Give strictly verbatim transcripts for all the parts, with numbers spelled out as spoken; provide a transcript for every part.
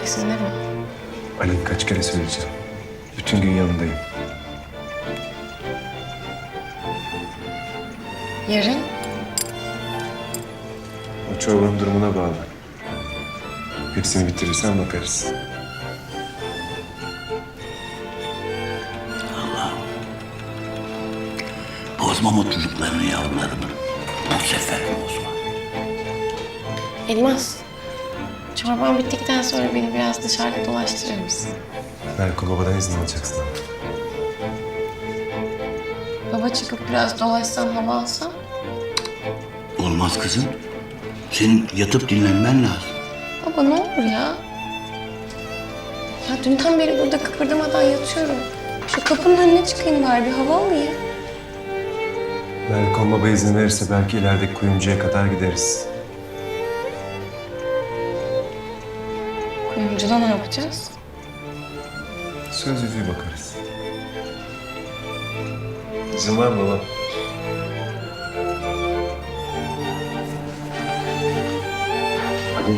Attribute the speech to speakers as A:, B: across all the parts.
A: Gitmeyeceksin değil mi?
B: Ali kaç kere söyleyeceğim. Bütün gün yanındayım.
A: Yarın?
B: O çorbanın durumuna bağlı. Hepsini bitirirsen bakarız.
C: Bozma mutluluklarını yavrularımın. Bu sefer bozma.
A: Elmas, çorban bittikten sonra beni biraz dışarıda dolaştırır mısın?
B: Berko babadan izin alacaksın ama.
A: Baba çıkıp biraz dolaşsam, hava alsam?
C: Olmaz kızım. Senin yatıp dinlenmen lazım.
A: Baba ne olur ya? Ya dünden beri burada kıpırdamadan yatıyorum. Şu kapının önüne çıkayım bari, bir hava alayım.
B: Berko baba izin verirse belki ilerideki kuyumcuya kadar gideriz.
A: Kuyumcuda ne yapacağız?
B: Söz yüzüğü bakarız. İzin var mı baba? Ali.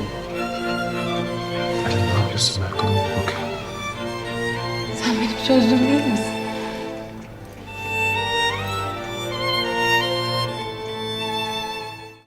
B: Ali ne yapıyorsun Berko'ya bakıyorum.
A: Sen benim sözlüm değil misin?